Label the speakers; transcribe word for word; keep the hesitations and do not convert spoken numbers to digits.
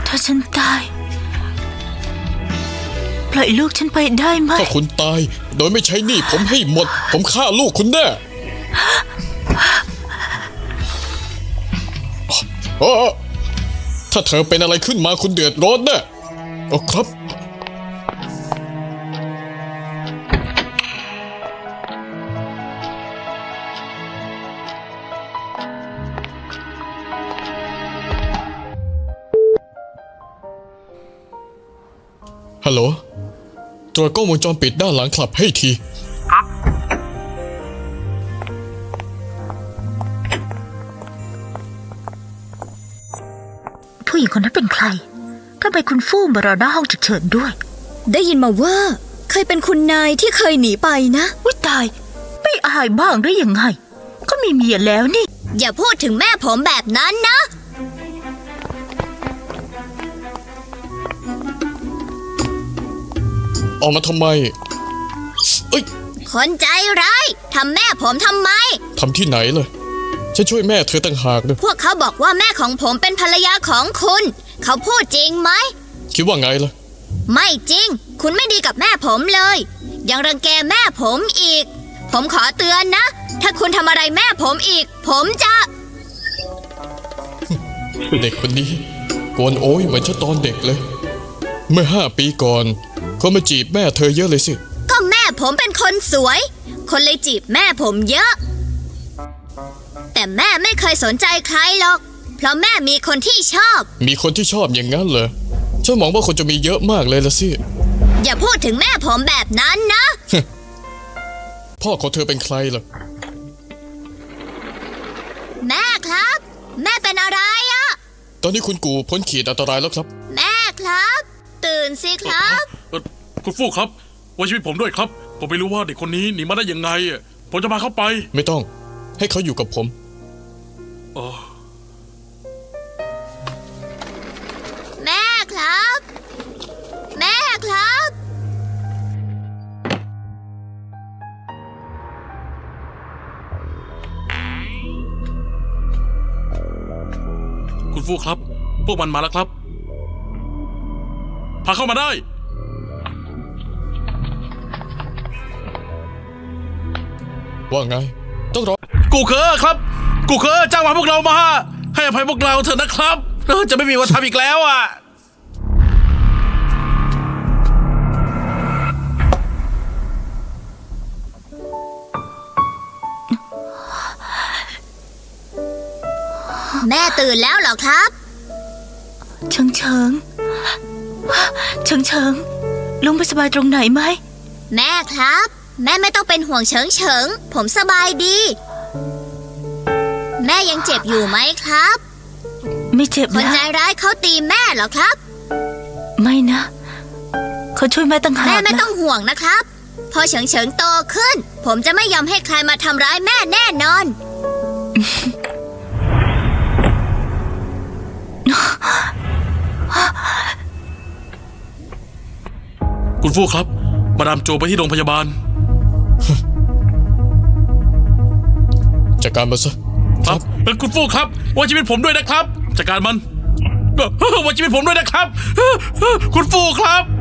Speaker 1: ถ้าฉันตายปล่อยลูกฉันไปได้ไหม
Speaker 2: ถ้าคุณตายโดยไม่ใช้หนี้ผมให้หมดผมฆ่าลูกคุณแน่โอ้ถ้าเธอเป็นอะไรขึ้นมาคุณเดือดร้อนแน่โอ้ครับฮัลโหลตรวจกล้องวงจรปิดด้านหลังคลับให้ทีครับ
Speaker 1: ผู้หญิงคนนั้นเป็นใครทำไมคุณฟู่มารอหน้าห้องฉุกเฉินด้วย
Speaker 3: ได้ยินมาว่าเคยเป็นคุณนายที่เคยหนีไปนะ
Speaker 1: อุ๊ยตายไม่อายบ้างได้ยังไงก็มีเมียแล้วนี่
Speaker 3: อย่าพูดถึงแม่ผมแบบนั้นนะ
Speaker 2: ออกมาทำไมเอ้ย
Speaker 3: คนใจร้ายทำแม่ผมทำไม
Speaker 2: ทำที่ไหนเลยฉันช่วยแม่เธอตั้งหากเลย
Speaker 3: พวกเขาบอกว่าแม่ของผมเป็นภรรยาของคุณเขาพูดจริงไหม
Speaker 2: คิดว่าไงล่ะ
Speaker 3: ไม่จริงคุณไม่ดีกับแม่ผมเลยยังรังแกแม่ผมอีกผมขอเตือนนะถ้าคุณทำอะไรแม่ผมอีกผมจะ
Speaker 2: เด็กคนนี้โกนโอ้ยเหมือนฉันตอนเด็กเลยเมื่อห้าปีก่อนเขามาจีบแม่เธอเยอะเลยสิ
Speaker 3: ก็แม่ผมเป็นคนสวยคนเลยจีบแม่ผมเยอะแต่แม่ไม่เคยสนใจใครหรอกเพราะแม่มีคนที่ชอบ
Speaker 2: มีคนที่ชอบอย่างนั้นเหรอฉันมองว่าคนจะมีเยอะมากเลยละสิ
Speaker 3: อย่าพูดถึงแม่ผมแบบนั้นนะ
Speaker 2: พ่อของเธอเป็นใครล่ะ
Speaker 3: แม่ครับแม่เป็นอะไรอะ
Speaker 2: ตอนนี้คุณกูพ้นขีดอันตรายแล้วครับ
Speaker 3: แม่ครับตื่นสิครับ
Speaker 4: คุณฟู่ครับไว้ชีวิตผมด้วยครับผมไม่รู้ว่าเด็กคนนี้หนีมาได้ยังไงผมจะพาเขาไป
Speaker 2: ไม่ต้องให้เขาอยู่กับผม
Speaker 4: อ๋อ
Speaker 3: แม่ครับแม่ครับ
Speaker 4: คุณฟู่ครับพวกมันมาแล้วครับพาเข้ามาได้
Speaker 2: ว่าไงต้องรอ
Speaker 4: กูเคอครับกูเคอจ้างมาพวกเรามาให้อภัยพวกเราเถอะนะครับจะไม่มีวันทำอีกแล้วอ่ะ
Speaker 3: แม่ตื่นแล้วเหรอครับ
Speaker 1: เฉิงเฉิงเฉิงเฉิงลุงไปสบายตรงไหนไหม
Speaker 3: แม่ครับแม่ไม่ต้องเป็นห่วงเฉิงเฉิงผมสบายดีแม่ยังเจ็บอยู่ไหมครับ
Speaker 1: ไม่เจ็บนะ
Speaker 3: คนใจร้ายเขาตีแม่เหรอครับ
Speaker 1: ไม่นะเขาช่วยแม่ตั้งหาก
Speaker 3: แม่ไม่ต้องห่วงนะครับพอเฉิงเฉิงโตขึ้นผมจะไม่ยอมให้ใครมาทำร้ายแม่แน่นอน
Speaker 4: คุณฟู่ครับมาดามโจไปที่โรงพยาบาล
Speaker 2: จัดการมันซะ
Speaker 4: ครับคุณฟู่ครับไว้ชีวิตผมด้วยนะครับจัดการมันไว้ชีวิตผมด้วยนะครับคุณฟู่ครับ